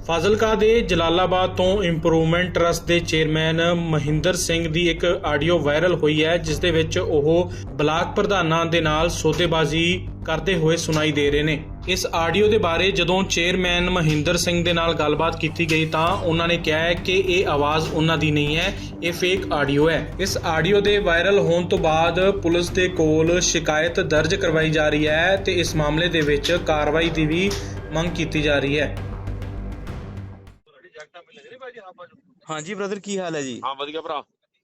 ਫਾਜ਼ਿਲਕਾ ਦੇ ਜਲਾਲਾਬਾਦ ਤੋਂ improvement trust ਦੇ ਚੇਅਰਮੈਨ ਮਹਿੰਦਰ ਸਿੰਘ ਦੀ ਇੱਕ ਆਡੀਓ ਵਾਇਰਲ ਹੋਈ ਹੈ, ਜਿਸ ਦੇ ਵਿੱਚ ਉਹ ਬਲਾਕ ਪ੍ਰਧਾਨਾਂ ਦੇ ਨਾਲ ਸੌਦੇਬਾਜ਼ੀ ਕਰਦੇ ਹੋਏ ਸੁਣਾਈ ਦੇ ਰਹੇ ਨੇ। ਇਸ ਆਡੀਓ ਦੇ ਬਾਰੇ ਜਦੋਂ ਚੇਅਰਮੈਨ ਮਹਿੰਦਰ ਸਿੰਘ ਦੇ ਨਾਲ ਗੱਲਬਾਤ ਕੀਤੀ ਗਈ ਤਾਂ ਉਹਨਾਂ ਨੇ ਕਿਹਾ ਹੈ ਕਿ ਇਹ ਆਵਾਜ਼ ਉਹਨਾਂ ਦੀ ਨਹੀਂ ਹੈ, ਇਹ ਫੇਕ ਆਡੀਓ ਹੈ। ਇਸ ਆਡੀਓ ਦੇ ਵਾਇਰਲ ਹੋਣ ਤੋਂ ਬਾਅਦ ਪੁਲਿਸ ਦੇ ਕੋਲ ਸ਼ਿਕਾਇਤ ਦਰਜ ਕਰਵਾਈ ਜਾ ਰਹੀ ਹੈ ਤੇ ਇਸ ਮਾਮਲੇ ਦੇ ਵਿੱਚ ਕਾਰਵਾਈ ਦੀ ਵੀ ਮੰਗ ਕੀਤੀ ਜਾ ਰਹੀ ਹੈ। ਹਾਂਜੀ ਬ੍ਰਦਰ, ਕੀ ਹਾਲ ਹੈ ਜੀ? ਹਾਂ ਵਧੀਆ ਭਰਾ।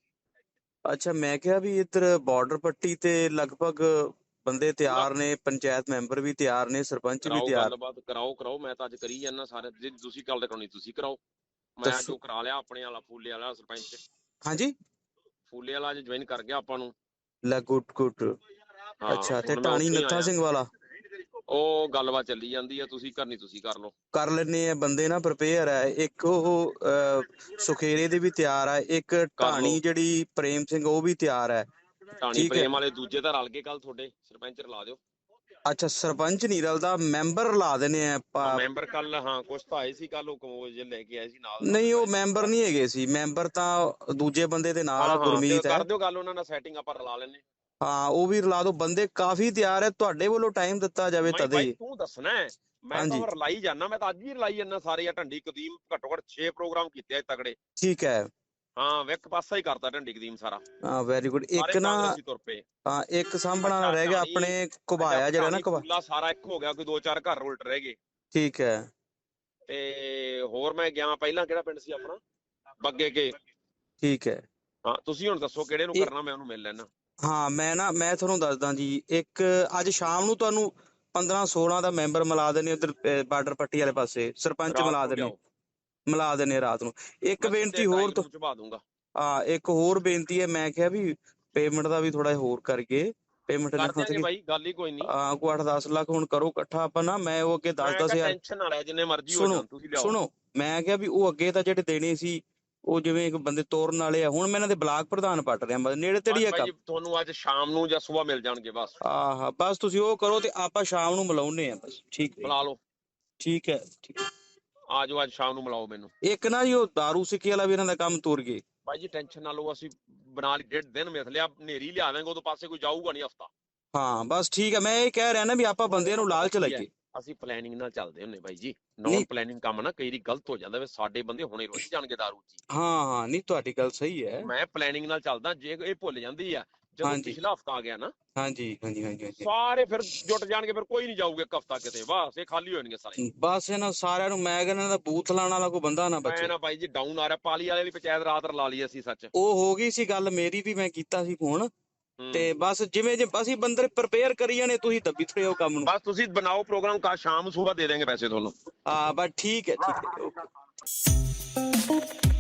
ਅੱਛਾ, ਮੈਂ ਕਿਹਾ ਵੀ ਇੱਧਰ ਬਾਰਡਰ ਪੱਟੀ ਤੇ ਲਗਭਗ ਬੰਦੇ ਤਿਆਰ ਨੇ, ਪੰਚਾਇਤ ਮੈਂਬਰ ਵੀ ਤਿਆਰ ਨੇ, ਸਰਪੰਚ ਵੀ ਤਿਆਰ। ਗੱਲਬਾਤ ਕਰਾਓ। ਮੈਂ ਤਾਂ ਅੱਜ ਕਰੀ ਜਾਂਦਾ ਸਾਰੇ, ਜੇ ਤੁਸੀਂ ਗੱਲ ਕਰਾਉਣੀ ਤੁਸੀਂ ਕਰਾਓ। ਮੈਂ ਜੋ ਕਰਾ ਲਿਆ ਆਪਣੇ ਵਾਲਾ ਫੂਲੇ ਵਾਲਾ ਸਰਪੰਚ। ਹਾਂਜੀ, ਫੂਲੇ ਵਾਲਾ ਅੱਜ ਜੁਆਇਨ ਕਰ ਗਿਆ ਆਪਾਂ ਨੂੰ। ਲੈ ਗੁੱਡ। ਅੱਛਾ, ਤੇ ਟਾਣੀ ਨੱਥਾ ਸਿੰਘ ਵਾਲਾ ਉਹ ਗੱਲਬਾਤ ਚੱਲੀ ਜਾਂਦੀ ਆ, ਤੁਸੀਂ ਕਰਨੀ ਤੁਸੀਂ ਕਰ ਲਓ। ਕਰ ਲੈਣੇ ਆ, ਬੰਦੇ ਨਾ ਪ੍ਰਪੇਅਰ ਹੈ। ਇੱਕ ਉਹ ਸੁਖੇਰੇ ਦੇ ਵੀ ਤਿਆਰ ਹੈ, ਇੱਕ ਢਾਣੀ ਜਿਹੜੀ ਪ੍ਰੇਮ ਸਿੰਘ ਉਹ ਵੀ ਤਿਆਰ ਹੈ। ਢਾਣੀ ਪ੍ਰੇਮ ਵਾਲੇ ਦੂਜੇ ਤਾਂ ਰਲ ਕੇ ਕੱਲ ਤੁਹਾਡੇ ਸਰਪੰਚ ਰਲਾ ਦਿਓ। ਅੱਛਾ, ਸਰਪੰਚ ਨਹੀਂ ਰਲਦਾ, ਮੈਂਬਰ ਲਾ ਦੇਣੇ ਆ ਮੈਂਬਰ ਕੱਲ। ਹਾਂ ਕੁਛ ਤਾਂ ਆਏ ਸੀ ਕੱਲ, ਉਹ ਕਮੋਜ ਲੈ ਕੇ ਆਏ ਸੀ ਨਾਲ। ਨਹੀਂ, ਉਹ ਮੈਂਬਰ ਨਹੀਂ ਹੈਗੇ ਸੀ, ਮੈਂਬਰ ਤਾਂ ਦੂਜੇ ਬੰਦੇ ਦੇ ਨਾਲ ਆ, ਗੁਰਮੀਤ ਹੈ। ਕਰ ਦਿਓ ਗੱਲ ਉਹਨਾਂ ਨਾਲ ਸੈਟਿੰਗ, ਆਪਾਂ ਰਲਾ ਲੈਣੇ। ਹਾਂ, ਉਹ ਵੀ ਰਲਾ ਦੋ, ਬੰਦੇ ਕਾਫੀ ਤਿਆਰ ਹੈ। ਤੁਹਾਡੇ ਵੱਲੋਂ ਟਾਈਮ ਦਿੱਤਾ ਜਾਵੇ ਤਦੇ ਹੀ। ਤੂੰ ਦੱਸਣਾ, ਮੈਂ ਤਾਂ ਰਲਾਈ ਜਾਣਾ। ਮੈਂ ਤਾਂ ਅੱਜ ਵੀ ਰਲਾਈ ਜਾਣਾ ਸਾਰੇ। ਆ ਢੰਡੀ ਕਦੀਮ ਘੱਟੋ ਘੱਟ 6 ਪ੍ਰੋਗਰਾਮ ਕੀਤੇ ਆ ਤਗੜੇ। ਠੀਕ ਹੈ। ਹਾਂ, ਇੱਕ ਪਾਸਾ ਹੀ ਕਰਤਾ ਢੰਡੀ ਕਦੀਮ ਸਾਰਾ। ਹਾਂ, ਵੈਰੀ ਗੁੱਡ। ਇੱਕ ਨਾ ਹਾਂ, ਇੱਕ ਸਾਂਭਣਾ ਰਹਿ ਗਿਆ ਆਪਣੇ ਘੁਬਾਇਆ ਜਿਹੜਾ ਨਾ ਘੁਬਾਇਆ ਸਾਰਾ ਇੱਕ ਹੋ ਗਿਆ, ਕੋਈ 2-4 ਘਰ ਉਲਟ ਰਹਿ ਗਏ। ਠੀਕ ਹੈ। ਤੇ ਹੋਰ ਮੈਂ ਗਿਆ ਪਹਿਲਾਂ, ਕਿਹੜਾ ਪਿੰਡ ਸੀ ਆਪਣਾ? ਬੱਗੇ ਕੇ। ਠੀਕ ਹੈ। ਹਾਂ, ਤੁਸੀਂ ਹੁਣ ਦੱਸੋ ਕਿਹੜੇ ਨੂੰ ਕਰਨਾ, ਮੈਂ ਉਹਨੂੰ ਮਿਲ ਲੈਣਾ। ਹਾਂ, ਮੈਂ ਤੁਹਾਨੂੰ ਦੱਸਦਾ ਜੀ। ਇੱਕ ਅੱਜ ਸ਼ਾਮ ਨੂੰ ਤੁਹਾਨੂੰ 15-16 ਦਾ ਮੈਂਬਰ ਮਿਲਾ ਦੇਣੇ ਉਧਰ ਬਾਰਡਰ ਪੱਟੀ ਵਾਲੇ ਪਾਸੇ, ਸਰਪੰਚ ਮਿਲਾ ਦੇਣੇ ਰਾਤ ਨੂੰ। ਇੱਕ ਬੇਨਤੀ ਹੋਰ ਹਾਂ, ਇੱਕ ਹੋਰ ਬੇਨਤੀ ਹੈ। ਮੈਂ ਕਿਹਾ ਵੀ ਪੇਮੈਂਟ ਦਾ ਵੀ ਥੋੜਾ ਹੋਰ ਕਰਕੇ ਪੇਮੈਂਟ ਨਾ ਬਾਈ, ਗੱਲ ਹੀ ਕੋਈ ਨਹੀਂ। ਹਾਂ, ਕੋਈ 8-10 ਲੱਖ ਹੁਣ ਕਰੋ ਇਕੱਠਾ ਆਪਾਂ ਨਾ। ਮੈਂ ਉਹ ਅੱਗੇ 10-10 ਹਜ਼ਾਰ ਟੈਨਸ਼ਨ ਨਾ ਲੈ, ਜਿੰਨੇ ਮਰਜ਼ੀ ਹੋ ਜਾਣ ਤੁਸੀਂ ਲਿਆਓ। ਸੁਣੋ, ਮੈਂ ਕਿਹਾ ਵੀ ਉਹ ਅੱਗੇ ਤਾਂ ਜਿਹੜੇ ਦੇਣੇ ਸੀ ਉਹ ਜਿਵੇਂ ਬੰਦੇ ਤੋਰਨ ਵਾਲੇ ਆ, ਹੁਣ ਮੈਂ ਇਹਨਾਂ ਦੇ ਬਲਾਕ ਪ੍ਰਧਾਨ ਪੱਟ ਰਿਹਾ, ਨੇੜੇ ਤੇੜੀ ਆ ਕੰਮ। ਤੁਹਾਨੂੰ ਅੱਜ ਸ਼ਾਮ ਨੂੰ ਜਾਂ ਸਵੇਰ ਮਿਲ ਜਾਣਗੇ ਬਸ। ਬਸ ਤੁਸੀਂ ਉਹ ਕਰੋ ਤੇ ਆਪਾਂ ਸ਼ਾਮ ਨੂੰ ਮਿਲਾਉਨੇ ਆ ਬਸ। ਠੀਕ ਹੈ, ਬੁਲਾ ਲਓ। ਠੀਕ ਹੈ। ਆ ਜਾਓ, ਅੱਜ ਸ਼ਾਮ ਨੂੰ ਮਿਲਾਓ ਮੈਨੂੰ। ਇੱਕ ਨਾ ਜੀ ਉਹ ਦਾਰੂ ਸਿੱਕੇ ਵਾਲਾ ਵੀ ਇਹਨਾਂ ਦਾ ਕੰਮ ਤੁਰ ਗਏ। ਭਾਈ ਜੀ ਟੈਨਸ਼ਨ ਨਾ ਲਓ, ਅਸੀਂ ਬਣਾ ਲਈ 1.5 ਦਿਨ ਮਿਥ ਲਿਆ, ਹਨੇਰੀ ਲਿਆ ਦਾਂਗੇ, ਉਦੋਂ ਪਾਸੇ ਕੋਈ ਜਾਊਗਾ ਨਹੀਂ ਹਫਤਾ। ਹਾਂ ਬਸ ਠੀਕ ਹੈ। ਮੈਂ ਇਹ ਕਹਿ ਰਿਹਾ ਨਾ ਵੀ ਆਪਾਂ ਬੰਦਿਆਂ ਨੂੰ ਲਾਲਚ ਲਾਈਏ। ਅਸੀਂ ਪਲੈਨਿੰਗ ਨਾਲ ਚੱਲਦੇ ਹੁੰਨੇ ਬਾਈ ਜੀ। ਨੌਨ ਪਲੈਨਿੰਗ ਕੰਮ ਨਾ ਕਈ ਵਾਰੀ ਗਲਤ ਹੋ ਜਾਂਦਾ ਵੇ, ਸਾਡੇ ਬੰਦੇ ਹੁਣੇ ਰੁੱਝ ਜਾਣਗੇ ਦਾਰੂ ਚ। ਹਾਂ, ਨਹੀਂ ਤੁਹਾਡੀ ਗੱਲ ਸਹੀ ਹੈ। ਮੈਂ ਪਲੈਨਿੰਗ ਨਾਲ ਚੱਲਦਾ। ਜੇ ਇਹ ਭੁੱਲ ਜਾਂਦੀ ਆ ਜਦੋਂ ਪਿਛਲਾ ਹਫਤਾ ਆ ਗਿਆ ਨਾ, ਹਾਂਜੀ, ਸਾਰੇ ਫਿਰ ਜੁੱਟ ਜਾਣਗੇ, ਫਿਰ ਕੋਈ ਨਹੀਂ ਜਾਊਗਾ ਇੱਕ ਹਫਤਾ ਕਿਤੇ, ਬਸ ਇਹ ਖਾਲੀ ਹੋ ਜਾਣਗੇ ਸਾਰੇ। ਬਸ ਇਹਨਾਂ ਸਾਰਿਆਂ ਨੂੰ ਮੈਂ ਕਹਿੰਦਾ ਇਹਦਾ ਬੂਥ ਲਾਣ ਵਾਲਾ ਕੋਈ ਬੰਦਾ ਨਾ ਬਚੇ। ਨਾ ਬਾਈ ਜੀ ਡਾਊਨ ਆ ਰਿਹਾ। ਪਾਲੀ ਵਾਲੇ ਵੀ ਪੰਚਾਇਤ ਰਾਤ ਰਲਾ ਲਈ ਅਸੀਂ। ਸੱਚ ਉਹ ਹੋ ਗਈ ਸੀ ਗੱਲ, ਮੇਰੀ ਵੀ ਮੈਂ ਕੀਤਾ ਸੀ ਫੋਨ ਤੇ ਬਸ ਜਿਵੇਂ ਅਸੀਂ ਬੰਦੇ ਪ੍ਰਪੇਅਰ ਕਰੀ ਜਾਣੇ, ਤੁਸੀਂ ਦੱਬੀ ਥੜੇ ਹੋ ਕੰਮ ਨੂੰ। ਬਸ ਤੁਸੀਂ ਬਣਾਓ ਪ੍ਰੋਗਰਾਮ, ਕੱਲ ਸ਼ਾਮ ਨੂੰ ਸੁਬਾਹ ਦੇ ਦੇਂਗੇ ਪੈਸੇ ਤੁਹਾਨੂੰ। ਬਸ ਠੀਕ ਹੈ ਓਕੇ।